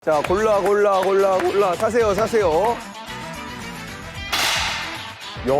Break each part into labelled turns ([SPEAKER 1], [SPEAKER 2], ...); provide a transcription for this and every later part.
[SPEAKER 1] 자, 골라. 사세요. 야,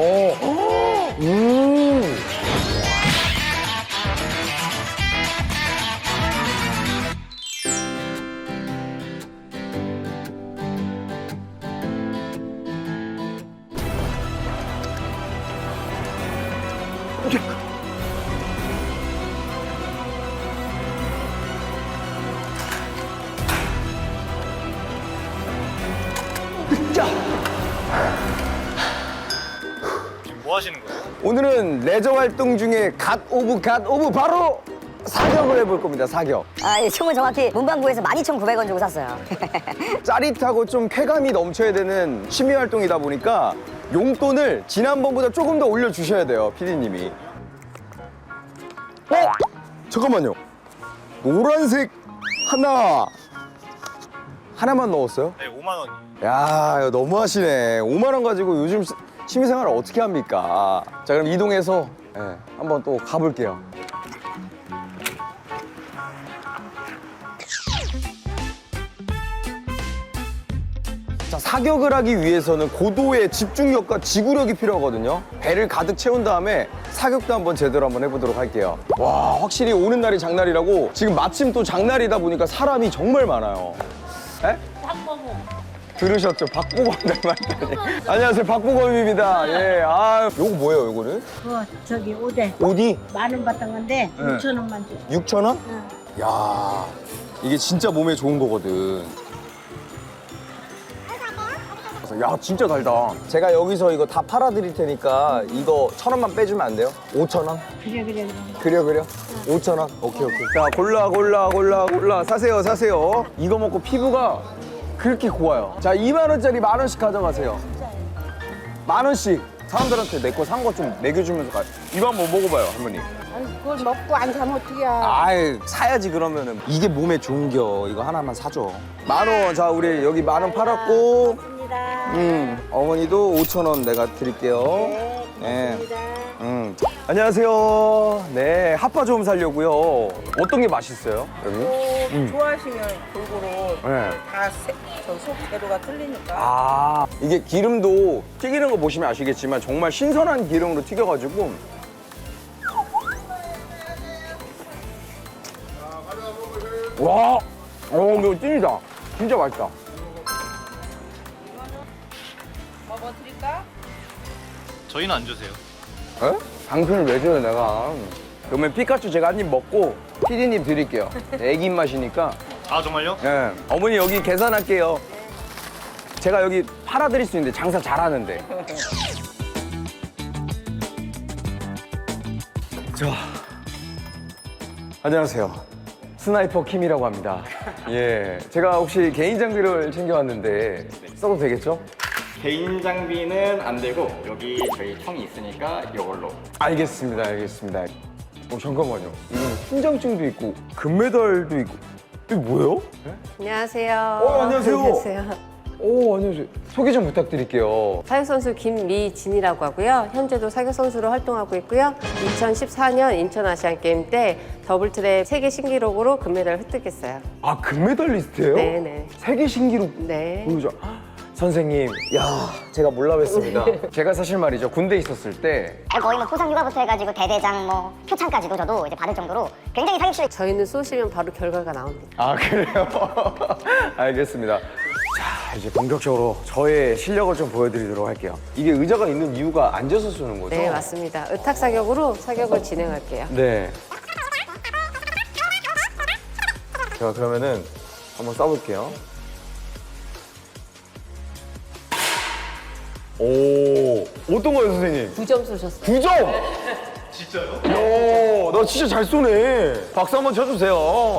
[SPEAKER 1] 자,
[SPEAKER 2] 지금 뭐 하시는 거예요?
[SPEAKER 1] 오늘은 레저 활동 중에 갓 오브 바로 사격을 해볼 겁니다. 사격.
[SPEAKER 3] 이 총은 정확히 문방구에서 12,900원 주고 샀어요.
[SPEAKER 1] 짜릿하고 좀 쾌감이 넘쳐야 되는 취미 활동이다 보니까 용돈을 지난번보다 조금 더 올려주셔야 돼요, PD님이. 잠깐만요. 노란색 하나만 넣었어요?
[SPEAKER 2] 네, 5만 원이에요.
[SPEAKER 1] 야, 이거 너무하시네. 5만 원 가지고 요즘 취미생활을 어떻게 합니까? 자, 그럼 이동해서 한번 또 가볼게요. 자, 사격을 하기 위해서는 고도의 집중력과 지구력이 필요하거든요. 배를 가득 채운 다음에 사격도 한번 제대로 한번 해보도록 할게요. 와, 확실히 오는 날이 장날이라고 지금 마침 또 장날이다 보니까 사람이 정말 많아요. 에? 들으셨죠? 박보검 닮았다니. 안녕하세요, 박보검입니다. 예, 요거 뭐예요, 요거는?
[SPEAKER 4] 저기 오대
[SPEAKER 1] 어디?
[SPEAKER 4] 10,000원 받던 건데 6,000원만 줘.
[SPEAKER 1] 6,000원? 야, 이게 진짜 몸에 좋은 거거든. 야, 진짜 달다. 제가 여기서 이거 다 팔아드릴 테니까 이거 1,000원만 빼주면 안 돼요? 5,000원? 그래. 5,000원? 오케이. 자, 골라. 사세요. 이거 먹고 피부가 그렇게 고와요. 자, 2만 원짜리 1,000원씩 가져가세요. 1,000원씩. 사람들한테 내 거 산 거 좀 먹여주면서 가. 이거 한번 먹어봐요, 할머니.
[SPEAKER 4] 그걸 먹고 안 사면 어떡이야.
[SPEAKER 1] 아이, 사야지 그러면은. 이게 몸에 좋은겨. 이거 하나만 사줘. 10,000원. 자, 우리 여기 10,000원 팔았고. 어머니도 5,000원 내가 드릴게요. 네. 안녕하세요. 네, 핫바 좀 사려고요. 어떤 게 맛있어요, 여기?
[SPEAKER 5] 좋아하시면 골고루
[SPEAKER 1] 네.
[SPEAKER 5] 다속 재료가 틀리니까.
[SPEAKER 1] 이게 기름도 튀기는 거 보시면 아시겠지만 정말 신선한 기름으로 튀겨가지고 와, 이거 찐이다. 진짜 맛있다.
[SPEAKER 5] 먹어드릴까?
[SPEAKER 2] 저희는 안 주세요.
[SPEAKER 1] 에? 당신을 왜 줘요, 내가. 그러면 피카츄 제가 한 입 먹고 피디님 드릴게요. 애기 입맛이니까.
[SPEAKER 2] 아, 정말요?
[SPEAKER 1] 예. 어머니 여기 계산할게요. 제가 여기 팔아드릴 수 있는데 장사 잘하는데. 자, 안녕하세요. 스나이퍼 킴이라고 합니다. 예, 제가 혹시 개인 장비를 챙겨왔는데 써도 되겠죠?
[SPEAKER 6] 개인 장비는 안 되고 여기 저희 총이 있으니까 이걸로.
[SPEAKER 1] 알겠습니다. 잠깐만요. 이건 훈장증도 있고 금메달도 있고. 이게 뭐예요?
[SPEAKER 7] 안녕하세요.
[SPEAKER 1] 안녕하세요.
[SPEAKER 7] 안녕하세요.
[SPEAKER 1] 안녕하세요. 소개 좀 부탁드릴게요.
[SPEAKER 7] 사격선수 김미진이라고 하고요. 현재도 사격선수로 활동하고 있고요. 2014년 인천아시안게임 때 더블트랩 세계 신기록으로 금메달을 획득했어요.
[SPEAKER 1] 금메달리스트예요?
[SPEAKER 7] 네네.
[SPEAKER 1] 세계 신기록
[SPEAKER 7] 네.
[SPEAKER 1] 보여줘. 선생님, 제가 몰라 뵀습니다. 제가 사실 말이죠, 군대 있었을 때
[SPEAKER 3] 거의 뭐 포상휴가부터 해가지고 대대장, 뭐 표창까지도 저도 이제 받을 정도로 굉장히 사격실에
[SPEAKER 7] 저희는 쏘시면 바로 결과가 나옵니다.
[SPEAKER 1] 그래요? 알겠습니다. 자, 이제 본격적으로 저의 실력을 좀 보여드리도록 할게요. 이게 의자가 있는 이유가 앉아서 쏘는 거죠?
[SPEAKER 7] 네, 맞습니다. 의탁 사격으로 사격을 진행할게요.
[SPEAKER 1] 네. 자, 그러면은 한번 쏴볼게요. 어떤 거예요, 선생님?
[SPEAKER 7] 9점 쏘셨어요.
[SPEAKER 1] 9점! 진짜요? 나 진짜 잘 쏘네. 박수 한번 쳐주세요.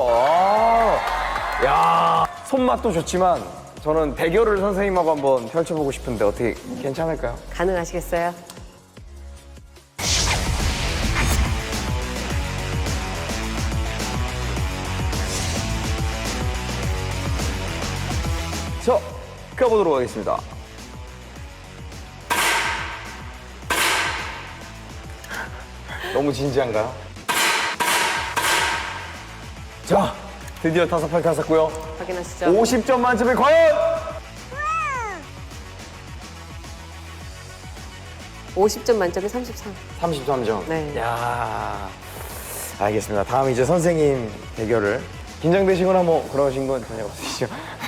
[SPEAKER 1] 야, 손맛도 좋지만 저는 대결을 선생님하고 한번 펼쳐보고 싶은데 어떻게 괜찮을까요?
[SPEAKER 7] 가능하시겠어요?
[SPEAKER 1] 자, 가보도록 하겠습니다. 너무 진지한가요? 자, 드디어 5팔 탔었고요.
[SPEAKER 7] 확인하시죠.
[SPEAKER 1] 50점 만점에 과연
[SPEAKER 7] 50점 만점에 33.
[SPEAKER 1] 33점.
[SPEAKER 7] 네.
[SPEAKER 1] 야, 알겠습니다. 다음 이제 선생님 대결을 긴장되시거나 뭐 그러신 건 전혀 없으시죠?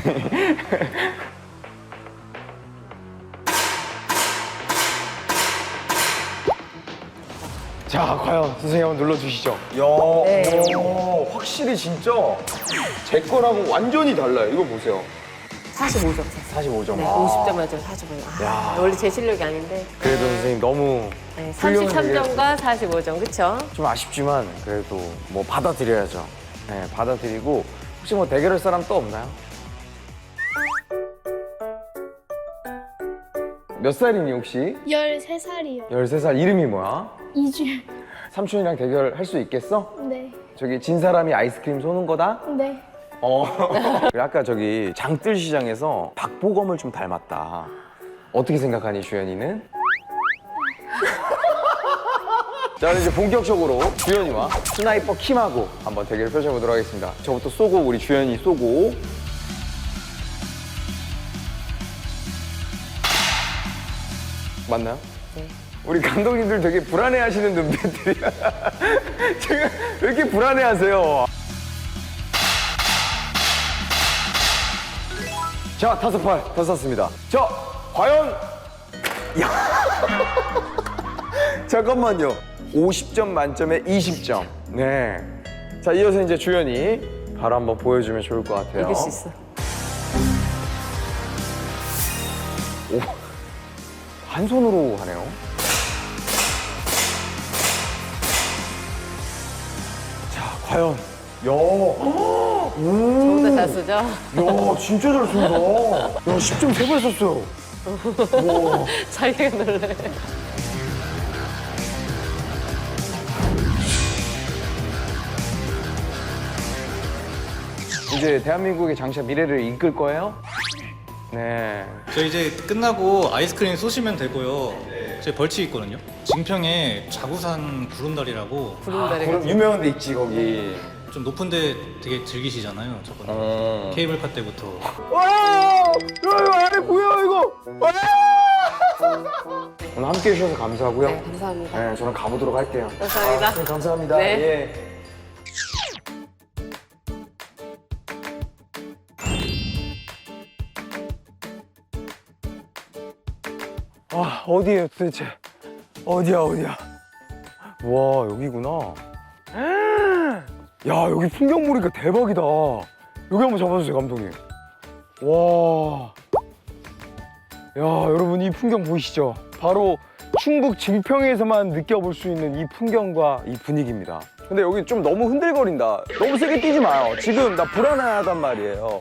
[SPEAKER 1] 자, 과연 선생님 한번 눌러주시죠. 야,
[SPEAKER 7] 네.
[SPEAKER 1] 오, 확실히 진짜 제 거랑은 완전히 달라요. 이거 보세요.
[SPEAKER 7] 45점.
[SPEAKER 1] 45점.
[SPEAKER 7] 네,
[SPEAKER 1] 아,
[SPEAKER 7] 50점 만점에 45점.
[SPEAKER 1] 야.
[SPEAKER 7] 원래 제 실력이 아닌데.
[SPEAKER 1] 그래도 선생님 너무
[SPEAKER 7] 네,
[SPEAKER 1] 훌륭한
[SPEAKER 7] 33점과 45점, 그쵸?
[SPEAKER 1] 좀 아쉽지만 그래도 뭐 받아들여야죠. 네, 받아들이고 혹시 뭐 대결할 사람 또 없나요? 몇 살이니 혹시?
[SPEAKER 8] 13살이요.
[SPEAKER 1] 13살 이름이 뭐야?
[SPEAKER 8] 이주연.
[SPEAKER 1] 삼촌이랑 대결할 수 있겠어?
[SPEAKER 8] 네.
[SPEAKER 1] 저기 진 사람이 아이스크림 쏘는 거다?
[SPEAKER 8] 네.
[SPEAKER 1] 아까 저기 장뜰 시장에서 박보검을 좀 닮았다. 어떻게 생각하니 주연이는? 자, 이제 본격적으로 주연이와 스나이퍼 킴하고 한번 대결을 펼쳐보도록 하겠습니다. 저부터 쏘고 우리 주연이 쏘고. 맞나요?
[SPEAKER 7] 네.
[SPEAKER 1] 우리 감독님들 되게 불안해하시는 눈빛들이야. 지금 왜 이렇게 불안해하세요? 자, 5팔 더 쐈습니다. 자, 과연 야. 잠깐만요. 50점 만점에 20점. 네. 자, 이어서 이제 주연이 바로 한번 보여주면 좋을 것 같아요.
[SPEAKER 7] 이길 수 있어.
[SPEAKER 1] 오, 한 손으로 하네요. 자, 과연. 야,
[SPEAKER 7] 저보다 잘 쓰죠?
[SPEAKER 1] 야, 진짜 잘 쏜다. 야, 10점 3발 썼어요. 와.
[SPEAKER 7] 자기가 놀래.
[SPEAKER 1] 이제 대한민국의 장차 미래를 이끌 거예요? 네.
[SPEAKER 2] 저 이제 끝나고 아이스크림 쏘시면 되고요. 제 벌칙 있거든요. 증평에 자구산 구름다리라고
[SPEAKER 7] 구름다리가.
[SPEAKER 1] 그럼 유명한 데 있지, 거기.
[SPEAKER 2] 좀 높은데 되게 즐기시잖아요. 저번에 케이블카 때부터.
[SPEAKER 1] 와! 야, 이거 안에 보여, 이거! 와! 오늘 함께 해주셔서 감사하고요.
[SPEAKER 7] 네, 감사합니다.
[SPEAKER 1] 네, 저는 가보도록 할게요.
[SPEAKER 7] 감사합니다.
[SPEAKER 1] 네, 감사합니다.
[SPEAKER 7] 네.
[SPEAKER 1] 예. 아, 어디에요 도대체? 어디야, 어디야? 와, 여기구나. 야, 여기 풍경 보니까 대박이다. 여기 한번 잡아주세요, 감독님. 와. 야, 여러분 이 풍경 보이시죠? 바로 충북 증평에서만 느껴볼 수 있는 이 풍경과 이 분위기입니다. 근데 여기 좀 너무 흔들거린다. 너무 세게 뛰지 마요. 지금 나 불안하단 말이에요.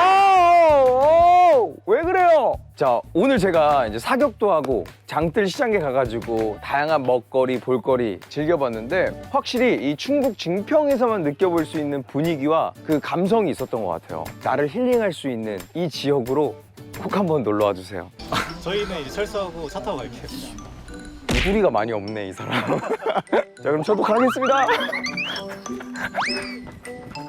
[SPEAKER 1] 왜 그래요? 자, 오늘 제가 이제 사격도 하고 장뜰 시장에 가가지고 다양한 먹거리, 볼거리 즐겨봤는데 확실히 이 충북 증평에서만 느껴볼 수 있는 분위기와 그 감성이 있었던 것 같아요. 나를 힐링할 수 있는 이 지역으로 꼭 한번 놀러와 주세요.
[SPEAKER 2] 저희는 이제 철수하고 차 타고 갈게요.
[SPEAKER 1] 소리가 많이 없네, 이 사람. 자, 그럼 저도 가겠습니다.